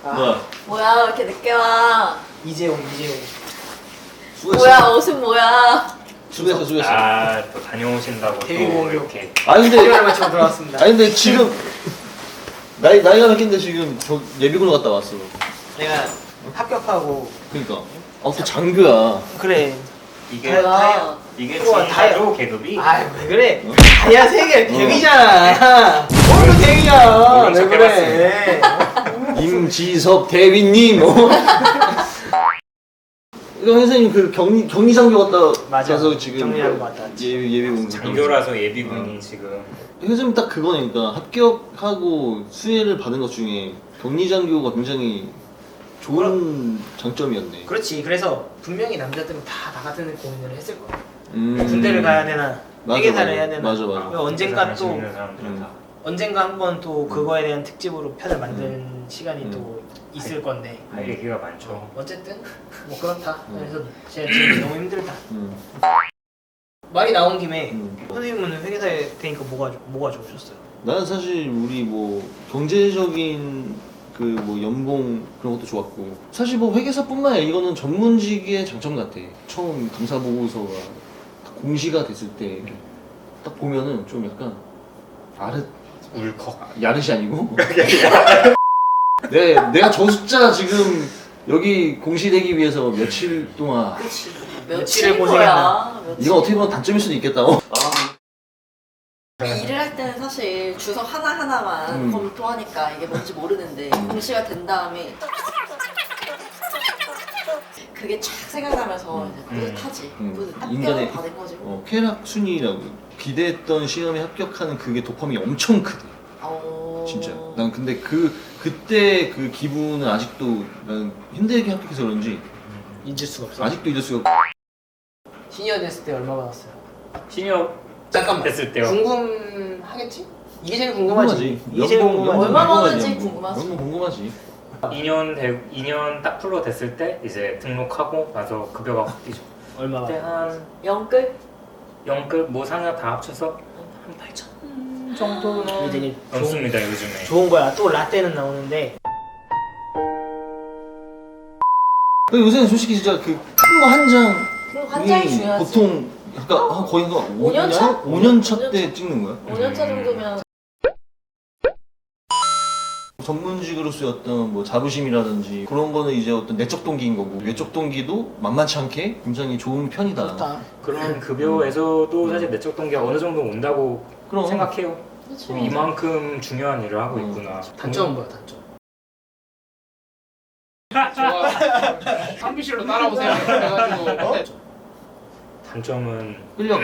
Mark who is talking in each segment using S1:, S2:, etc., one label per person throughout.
S1: 뭐야 왜 이렇게 늦게 와?
S2: 이재용.
S3: 수고했어.
S1: 뭐야 옷은 뭐야?
S3: 수고했어.
S4: 또 다녀오신다고 또
S2: 데뷔공교.
S4: 이렇게.
S3: 근데
S2: 대결 마치고 돌아왔습니다.
S3: 근데 지금 나이가 몇 갠데 지금 저 예비군 갔다 왔어.
S2: 내가 합격하고.
S3: 그러니까. 또 장교야.
S2: 그래.
S4: 이게
S1: 뭐야?
S4: 이게
S2: 우와,
S4: 진짜로 계급이?
S2: 아이 왜 그래? 다이아 세계 대위잖아. 뭘또 대위야?
S4: 물론
S2: 왜 그래?
S3: 임지섭 대위님. 이거 선생님 그 격리 장교 갔다
S2: 맞아.
S3: 가서 지금
S2: 격리하고 갔다 왔지.
S3: 예비군
S4: 장교라서 예비군이 지금.
S3: 선생님 딱 그거니까 합격하고 수혜를 받은 것 중에 격리 장교가 굉장히 좋은 장점이었네.
S2: 그렇지. 그래서 분명히 남자들은 다 나 같은 고민을 했을 거야.
S3: 음.
S2: 군대를 가야 되나? 회계사를 해야 되나?
S3: 맞아.
S2: 언젠가
S4: 관심
S2: 또
S4: 있는 사람들은 다.
S2: 언젠가 한번 또 그거에 대한 특집으로 편을 만드는 시간이 또 있을 건데.
S4: 할 얘기가 많죠.
S2: 어쨌든 뭐 그렇다. 그래서 제가 지금 너무 힘들다.
S3: 음.
S2: 말이 나온 김에
S3: 음.
S2: 선생님은 회계사에 되니까 뭐가 좋으셨어요?
S3: 나는 사실 우리 뭐 경제적인 그 뭐 연봉 그런 것도 좋았고 사실 뭐 회계사뿐만 아니라 이거는 전문직의 장점 같아. 처음 감사 보고서가 딱 공시가 됐을 때 딱 보면은 좀 약간
S4: 울컥.
S3: 야릇이 아니고 내가 저 숫자 지금 여기 공시되기 위해서 며칠 동안
S1: 그렇지.
S2: 며칠을
S1: 며칠인
S2: 고생했나.
S1: 거야. 며칠.
S3: 이건 어떻게 보면 단점일 수도 있겠다.
S1: 일을 할 때는 사실 주석 하나하나만 검토하니까 이게 뭔지 모르는데 공시가 된 다음에 그게 촥 생각나면서 이제 뿌듯하지.
S3: 인간의
S1: 합격을 받은 거지.
S3: 쾌락 순위라고 기대했던 시험에 합격하는 그게 도파민이 엄청 크대. 진짜. 난 근데 그때 그 기분은 아직도 난 힘들게 합격해서 그런지
S2: 잊을 수가 없어.
S3: 아직도 잊을 수가 없고.
S2: 시니어 됐을 때 얼마 받았어요?
S4: 시니어
S2: 잠깐만.
S4: 됐을 때요.
S2: 궁금하겠지? 이게 제일 궁금하지. 이게 제일
S3: 연봉
S2: 궁금하지.
S1: 얼마
S3: 궁금하지,
S1: 버는지
S3: 연봉.
S1: 궁금하지.
S3: 연봉 궁금하지.
S4: 2년 딱 풀로 됐을 때 이제 등록하고 나서 급여가 확 뛰죠.
S2: 얼마
S4: 그때
S2: 받아?
S4: 한
S1: 영끌?
S4: 0급 뭐 상여 다 합쳐서 한 8천 정도는
S2: 이게 되게
S4: 넘습니다 요즘에.
S2: 좋은 거야. 또 라떼는 나오는데
S3: 근데 요새는 솔직히 진짜 그 큰 거 한 장이
S1: 그럼 한 장이 중요하지.
S3: 보통 약간 거의 한
S1: 5년 차?
S3: 5년 차 때 찍는 거야?
S1: 5년 차 정도면
S3: 전문직으로서의 어떤 뭐 자부심이라든지 그런 거는 이제 어떤 내적 동기인 거고 외적 동기도 만만치 않게 굉장히 좋은 편이다.
S2: 좋다.
S4: 그런 급여에서도 사실 내적 동기가 어느 정도 온다고
S3: 그럼.
S4: 생각해요.
S1: 그렇죠.
S4: 이만큼 중요한 일을 하고 있구나.
S2: 단점은 뭐야 단점?
S5: 상비실로 따라오세요. 그래가지고
S4: 단점은
S3: 끌려가.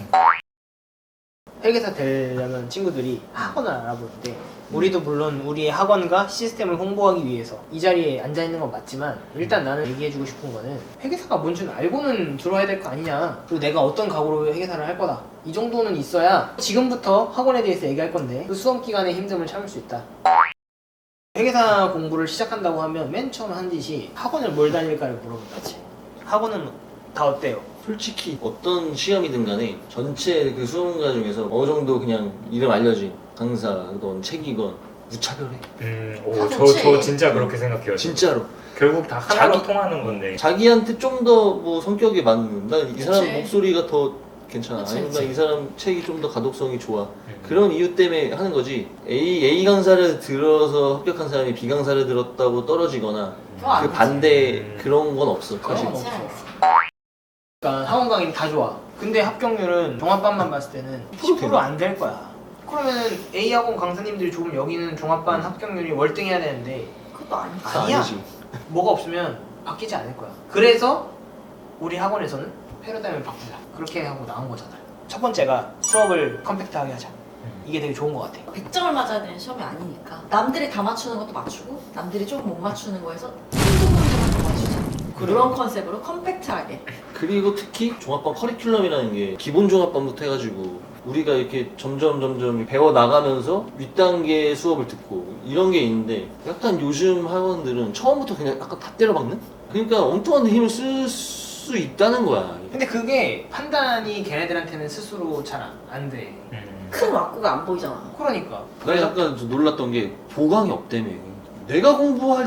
S2: 회계사 되려면 친구들이 학원을 알아보는데 우리도 물론 우리의 학원과 시스템을 홍보하기 위해서 이 자리에 앉아 있는 건 맞지만 일단 나는 얘기해주고 싶은 거는 회계사가 뭔지는 알고는 들어야 될 거 아니냐. 그리고 내가 어떤 각오로 회계사를 할 거다. 이 정도는 있어야 지금부터 학원에 대해서 얘기할 건데 그 수험 기간의 힘듦을 참을 수 있다. 회계사 공부를 시작한다고 하면 맨 처음 한 짓이 학원을 뭘 다닐까를 물어본다. 학원은 다 어때요?
S3: 솔직히 어떤 시험이든 간에 전체 그 수험가 중에서 어느 정도 그냥 이름 알려진 강사든 책이건 무차별해.
S4: 저 진짜 그렇게 생각해요.
S3: 진짜로.
S4: 결국 다 하나로
S3: 자기-
S4: 통하는 건데.
S3: 자기한테 좀 더 뭐 성격에 맞는 난 이 사람
S1: 그치.
S3: 목소리가 더 괜찮아.
S1: 그치,
S3: 아니면
S1: 그치.
S3: 난 이 사람 책이 좀 더 가독성이 좋아. 그런 이유 때문에 하는 거지. A 강사를 들어서 합격한 사람이 B 강사를 들었다고 떨어지거나
S1: 그거 안
S3: 그
S1: 되지.
S3: 반대 그런 건 없어. 사실.
S1: 그렇지 않지.
S2: 그러니까 학원 강의는 다 좋아. 근데 합격률은 종합반만 봤을 때는 10% 안 될 거야. 그러면은 A 학원 강사님들이 조금 여기는 종합반 합격률이 월등해야 되는데
S1: 그것도 아니지.
S2: 아니야.
S3: 아니지.
S2: 뭐가 없으면 바뀌지 않을 거야. 그래서 우리 학원에서는 패러다임을 바꾸자. 그렇게 하고 나온 거잖아요. 첫 번째가 수업을 컴팩트하게 하자. 이게 되게 좋은 것 같아.
S1: 100점을 맞아야 되는 시험이 아니니까 남들이 다 맞추는 것도 맞추고 남들이 조금 못 맞추는 거에서 한두 문제만 더 맞추자. 그런 컨셉으로 컴팩트하게.
S3: 그리고 특히 종합반 커리큘럼이라는 게 기본 종합반부터 해가지고 우리가 이렇게 점점 배워 나가면서 윗단계 수업을 듣고 이런 게 있는데 약간 요즘 학원들은 처음부터 그냥 약간 다 때려박는? 그러니까 엉뚱한 데 힘을 쓸 수 있다는 거야.
S2: 근데 그게 판단이 걔네들한테는 스스로 잘 안 돼.
S1: 큰 왁구가 안 보이잖아.
S2: 그러니까.
S3: 나 약간 좀 놀랐던 게 보강이 없다며. 내가 공부할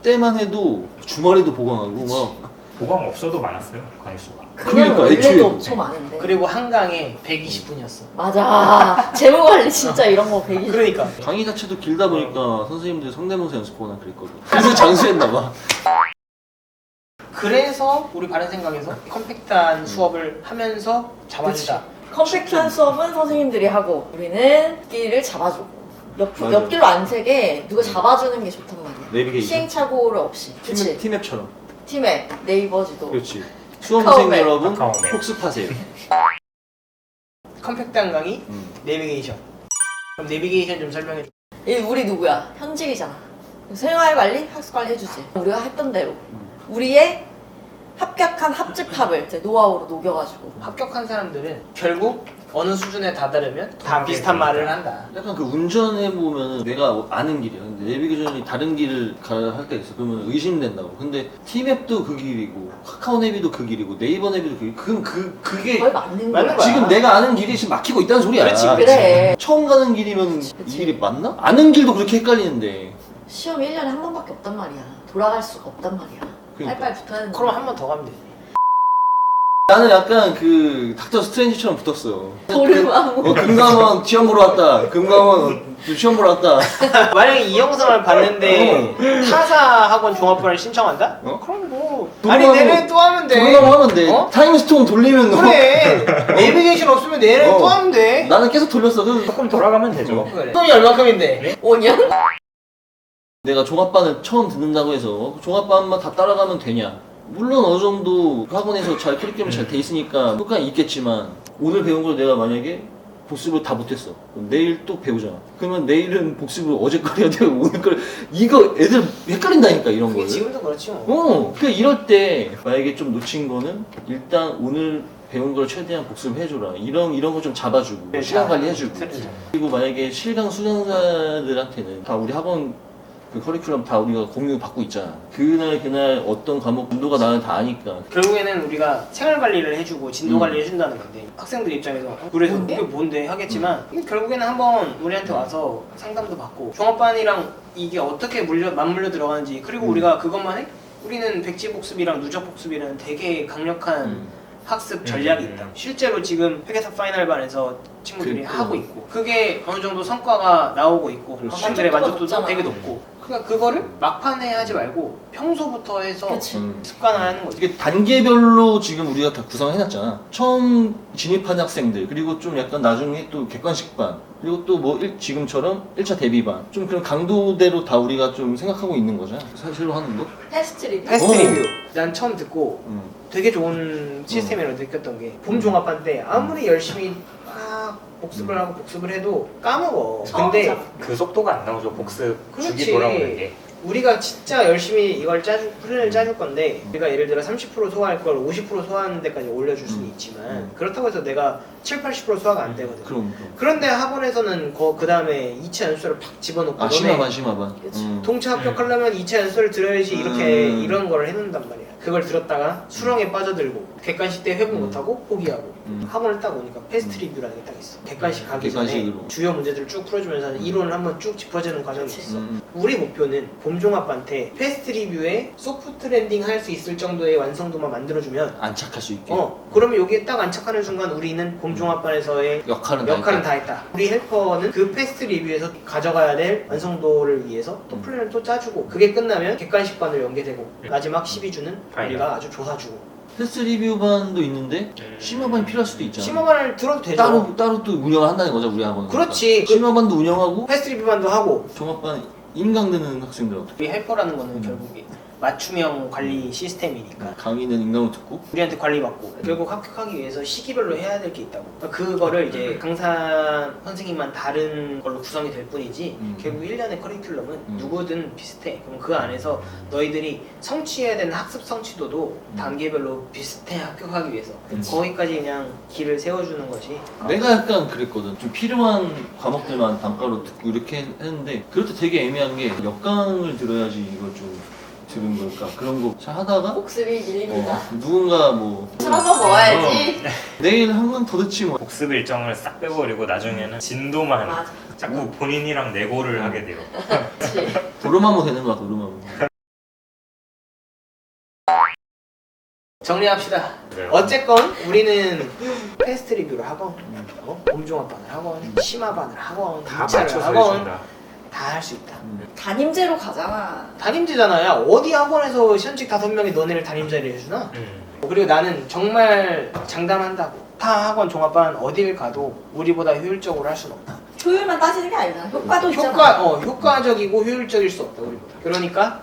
S3: 때만 해도 주말에도 보강하고 막
S4: 보강 없어도 많았어요 강의수가.
S3: 그러니까,
S1: 원래도
S3: 애초에도.
S1: 엄청 많은데.
S2: 그리고 한강에 120분이었어.
S1: 맞아. 재무관리 진짜 이런 거 120.
S2: 그러니까
S3: 강의 자체도 길다 보니까 선생님들이 성대모사 연습하거나 그랬거든. 그래서 장수했나 봐.
S2: 그래서 우리 바른 생각에서 컴팩트한 수업을 하면서 잡아주자.
S1: 컴팩트한 수업은 선생님들이 하고 우리는 끼를 잡아주고
S3: 맞아.
S1: 옆길로 안 세게 누가 잡아주는 게 좋단 말이야.
S3: 내비게이션.
S1: 시행착오를 없이. 그치?
S3: 티맵처럼.
S1: 팀에 네이버지도.
S3: 그렇지. 수험생
S1: 카카오맵.
S3: 여러분
S4: 카카오맵.
S3: 복습하세요.
S2: 컴팩트한 강의, 내비게이션. 그럼 내비게이션 좀 설명해 줘.
S1: 우리 누구야? 현직이잖아. 생활관리, 학습관리 해주지. 우리가 했던 대로 우리의 합격한 합집합을 이제 노하우로 녹여가지고.
S2: 합격한 사람들은 결국 어느 수준에 다다르면 다 비슷한 말을 한다.
S3: 약간 그 운전해 보면 내가 아는 길이야. 근데 내비게이션이 다른 길을 가야 할 때가 있어. 그러면 의심된다고. 근데 티맵도 그 길이고 카카오 내비도 그 길이고 네이버 내비도 그 길이고 그럼 그게
S1: 거의 맞는
S2: 맞는
S1: 거야.
S2: 거야.
S3: 지금 내가 아는 길이 지금 막히고 있다는 소리야.
S2: 그렇지,
S1: 그래.
S3: 처음 가는 길이면
S1: 그치.
S3: 이 길이 맞나? 아는 길도 그렇게 헷갈리는데.
S1: 시험이 1년에 한 번밖에 없단 말이야. 돌아갈 수가 없단 말이야.
S3: 그러니까.
S1: 빨리빨리 붙어야 되는
S2: 그럼 한 번 더 가면 되지.
S3: 나는 약간 그 닥터 스트레인지처럼 붙었어.
S1: 도르마무.
S3: 금감원 시험 보러 왔다. 금감원 시험 보러 왔다.
S2: 만약에 이 영상을 봤는데 타사 학원 종합반을 신청한다?
S3: 어?
S2: 그럼 뭐
S3: 도르마무-
S2: 아니 내년에 또 하면 돼.
S3: 금감원 하면 돼.
S2: 어?
S3: 타임스톤 돌리면 너.
S2: 그래. 내비게이션 없으면 내년에
S3: 어.
S2: 또 하면 돼.
S3: 나는 계속 돌렸어. 그
S4: 조금 돌아가면 되죠.
S2: 그래. 돈이 얼마큼인데?
S1: 5년?
S3: 내가 종합반을 처음 듣는다고 해서 종합반만 다 따라가면 되냐? 물론 어느 정도 학원에서 잘 커리큘럼이 잘 돼 있으니까 효과는 있겠지만 오늘 배운 걸 내가 만약에 복습을 다 못했어. 그럼 내일 또 배우잖아. 그러면 내일은 복습을 어제 걸 해야 되고 오늘 걸 이거 애들 헷갈린다니까 이런
S2: 그게
S3: 거.
S2: 지금도 그렇지 뭐.
S3: 그 이럴 때 만약에 좀 놓친 거는 일단 오늘 배운 걸 최대한 복습을 해줘라. 이런 거 좀 잡아주고
S2: 네,
S3: 시간
S2: 다
S3: 관리 해주고.
S2: 틀리죠.
S3: 그리고 만약에 실강 수강자들한테는 다 우리 학원 그 커리큘럼 다 우리가 공유 받고 있잖아. 그날 어떤 과목 진도가 나는 다 아니까.
S2: 결국에는 우리가 생활 관리를 해주고 진도 관리를 해준다는 건데 학생들 입장에서 그래서
S1: 뭔데?
S2: 이게 뭔데 하겠지만 이게 결국에는 한번 우리한테 와서 상담도 받고 종합반이랑 이게 어떻게 맞물려 들어가는지 그리고 우리가 그것만 해? 우리는 백지복습이랑 누적복습이라는 되게 강력한 학습 전략이 있다. 실제로 지금 회계사 파이널반에서 친구들이
S3: 그러니까.
S2: 하고 있고 그게 어느 정도 성과가 나오고 있고
S3: 그렇지.
S2: 학생들의 만족도도
S1: 높잖아.
S2: 되게 높고 그러니까 그거를 막판에 하지 말고 평소부터 해서
S1: 그치.
S2: 습관화하는 거지.
S3: 이게 단계별로 지금 우리가 다 구성해놨잖아. 처음 진입한 학생들, 그리고 좀 약간 나중에 또 객관식반, 그리고 또 뭐 지금처럼 1차 대비반. 좀 그런 강도대로 다 우리가 좀 생각하고 있는 거잖아. 사실로 하는 거?
S1: 테스트 리뷰.
S2: 패스트
S3: 어.
S2: 리뷰. 난 처음 듣고
S3: 응.
S2: 되게 좋은 시스템이라고 느꼈던 게 봄 종합반 때 아무리 열심히 막 복습을 하고 복습을 해도 까먹어. 근데
S1: 처음이잖아.
S4: 그 속도가 안 나오죠. 복습
S2: 그렇지.
S4: 주기 돌아오는 게.
S2: 우리가 진짜 열심히 이걸 플랜을 짜줄 건데 우리가 예를 들어 30% 소화할 걸 50% 소화하는 데까지 올려줄 수는 있지만 그렇다고 해서 내가 7, 80% 소화가 안 되거든.
S3: 그럼.
S2: 그런데 학원에서는 그 다음에 2차 연수를 팍 집어넣고
S3: 아,
S2: 너네
S3: 심화반.
S1: 그치.
S2: 동차 합격하려면 2차 연수를 들어야지 이렇게
S3: 음.
S2: 이런 걸 해놓는단 말이야. 그걸 들었다가 수렁에 빠져들고 객관식 때 회복 못하고 포기하고 학원을 딱 오니까 패스트 리뷰라는 게 딱 있어. 객관식 가기 전에
S3: 객관식으로.
S2: 주요 문제들을 쭉 풀어주면서 이론을 한번 쭉 짚어주는 과정이
S1: 그치.
S2: 있어. 우리 목표는 봄종합반 때 패스트 리뷰에 소프트 랜딩 할 수 있을 정도의 완성도만 만들어주면
S3: 안착할 수 있게.
S2: 그러면 여기에 딱 안착하는 순간 우리는 봄종합반에서의
S3: 역할은
S2: 다 했다. 우리 헬퍼는 그 패스트 리뷰에서 가져가야 될 완성도를 위해서 또 플랜을 또 짜주고 그게 끝나면 객관식반으로 연계되고 마지막 12주는 우리가 아주 조사주고
S3: 테스트 리뷰반도 있는데 심화반이 필요할 수도 있잖아.
S2: 심화반을 들어도 되죠.
S3: 따로 또 운영을 한다는 거죠, 우리 학원은.
S2: 그렇지.
S3: 심화반도 운영하고
S2: 패스트 리뷰반도 하고
S3: 종합반 인강되는 학생들 어떻게?
S2: 우리 헬퍼라는 거는 결국에 맞춤형 관리 시스템이니까
S3: 강의는 인강으로 듣고.
S2: 우리한테 관리받고 결국 합격하기 위해서 시기별로 해야 될 게 있다고. 그거를 이제 강사 선생님만 다른 걸로 구성이 될 뿐이지 결국 1년의 커리큘럼은 누구든 비슷해. 그럼 그 안에서 너희들이 성취해야 되는 학습 성취도도 단계별로 비슷해 합격하기 위해서 거기까지 그냥 길을 세워주는 거지.
S3: 내가 약간 그랬거든. 좀 필요한 과목들만 단가로 듣고 이렇게 했는데 그럴 때 되게 애매한 게 역강을 들어야지 이걸 좀 들은 걸까 그런 거 잘 하다가
S1: 복습이 밀립니다.
S3: 누군가 뭐
S1: 술 한번 먹어야지.
S3: 내일 한 번 더 듣지 뭐.
S4: 복습 일정을 싹 빼버리고 나중에는 진도만
S1: 맞아.
S4: 자꾸 본인이랑 내고를 하게 돼요.
S1: 그치.
S3: 도르마무 되는 거야, 도르마무.
S2: 정리합시다.
S4: 네.
S2: 어쨌건 우리는 패스트 리뷰를 하건 봄종합반을 하건 심화반을 하건
S4: 다
S2: 2차를
S4: 맞춰서
S2: 하건
S4: 해준다.
S2: 다 할 수 있다.
S1: 담임제로 가잖아.
S2: 담임제잖아. 야 어디 학원에서 현직 5명이 너네를 담임자를 해주나? 그리고 나는 정말 장담한다고 타 학원 종합반 어딜 가도 우리보다 효율적으로 할 수는 없다.
S1: 효율만 따지는 게 아니잖아. 효과도 있잖아.
S2: 효과적이고 효율적일 수 없다 우리보다. 그러니까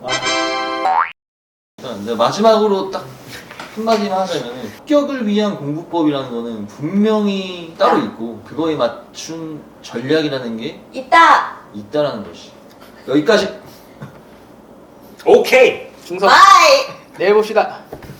S3: 일단 내가 마지막으로 딱 한마디만 하자면은 합격을 위한 공부법이라는 거는 분명히 따로 있고 그거에 맞춘 전략이라는 게
S1: 있다.
S3: 있다라는 것이. 여기까지.
S4: 오케이.
S2: 중섭
S1: 바이.
S2: 내일 봅시다.